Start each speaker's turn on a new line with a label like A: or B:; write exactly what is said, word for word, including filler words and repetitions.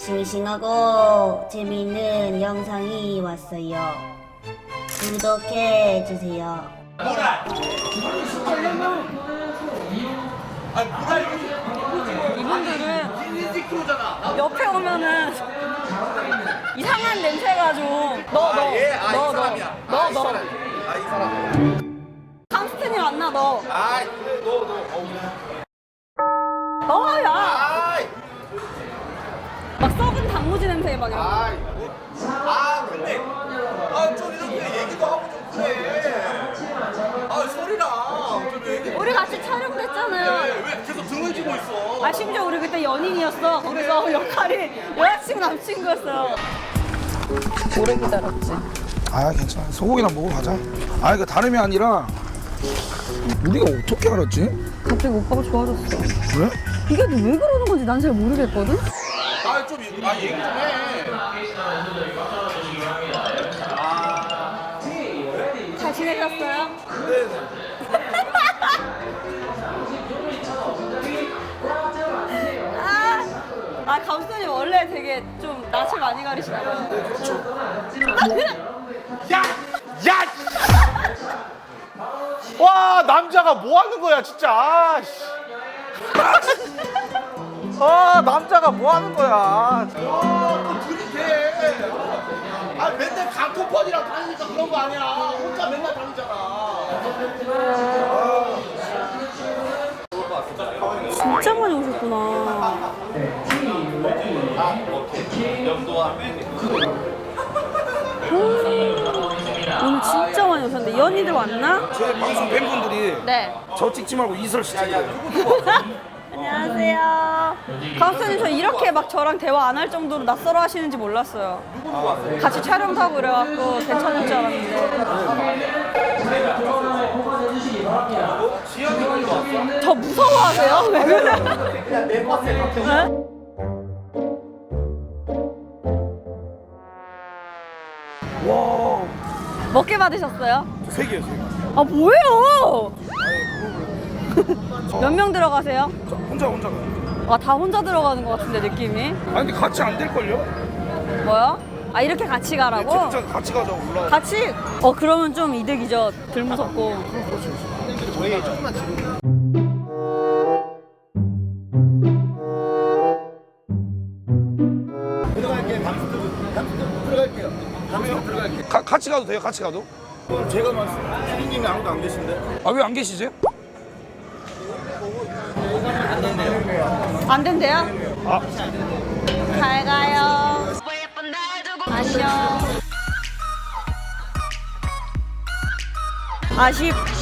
A: 싱싱하고 재미있는 영상이 왔어요. 구독해주세요.
B: 이분들은 옆에 오면은 이상한 냄새가 좀 너 너 너 너 너 너
C: 아이 사람.
B: 강스텐이 왔나 너
C: 아이 너너
B: 너야
C: 아이
B: 막 썩은 단무지 냄새 막 이런 거.
C: 아이 아 근데 아좀 이렇게 얘기도 하고 좀 그래. 아 소리랑 좀 얘기.
B: 우리 같이 촬영됐잖아요.
C: 왜, 왜 계속 등을 쥐고 있어?
B: 아 심지어 우리 그때 연인이었어. 거기서 역할이 여자친구 남친구였어요. 오래 기다렸지.
D: 아 괜찮아 소고기나 먹으러 가자. 아 이거 다름이 아니라 우리가 어떻게 알았지?
B: 갑자기 오빠가 좋아졌어.
D: 그래?
B: 이게 왜 그러는 건지 난 잘 모르겠거든.
C: 아좀 아 얘기 좀 해.
B: 잘 지내셨어요? 아, 아 감독님 원래 되게 좀 낯을 많이 가리시나 봐요.
C: 야! 야! 와 남자가 뭐 하는 거야 진짜. 아, 씨. 아 남자가 뭐 하는 거야. 아또 들이대. 아 맨날 강토펀이랑 다니니까 그런 거 아니야. 혼자 맨날 다니잖아.
B: 진짜 많이 오셨구나. 오늘 진짜 많이 오셨는데 연희들 왔나?
D: 제 방송 팬분들이
B: 네.
D: 저 찍지 말고 이설 씨 찍어요.
B: 안녕하세요. 강수님 저 이렇게 막 저랑 대화 안 할 정도로 낯설어 하시는지 몰랐어요. 같이 촬영도 하고 이래갖고 괜찮을 줄 알았는데. 더 무서워하세요? 왜 그래? 네?
D: 와,
B: 몇 개 받으셨어요?
D: 세 개요, 세 개.
B: 아 뭐예요? 몇 명 들어가세요?
D: 저 혼자 혼자 가요.
B: 아 다 혼자 들어가는 것 같은데 느낌이.
D: 아니 근데 같이 안 될 걸요?
B: 뭐요? 아 이렇게 같이 가라고?
D: 진짜 같이 가자 올라.
B: 같이? 어 그러면 좀 이득이죠. 덜 무섭고.
C: 저희 조금만 지금. 들어갈게요. 감수 들어갈게요. 감수 들어갈게요.
D: 가, 같이 가도 돼요? 같이 가도?
C: 제가 말씀. 피디님이 아무도 안 계신데.
D: 아 왜 안 계시지?
B: 안 된대요?
D: 아,
B: 잘 가요. 안녕. 아쉽.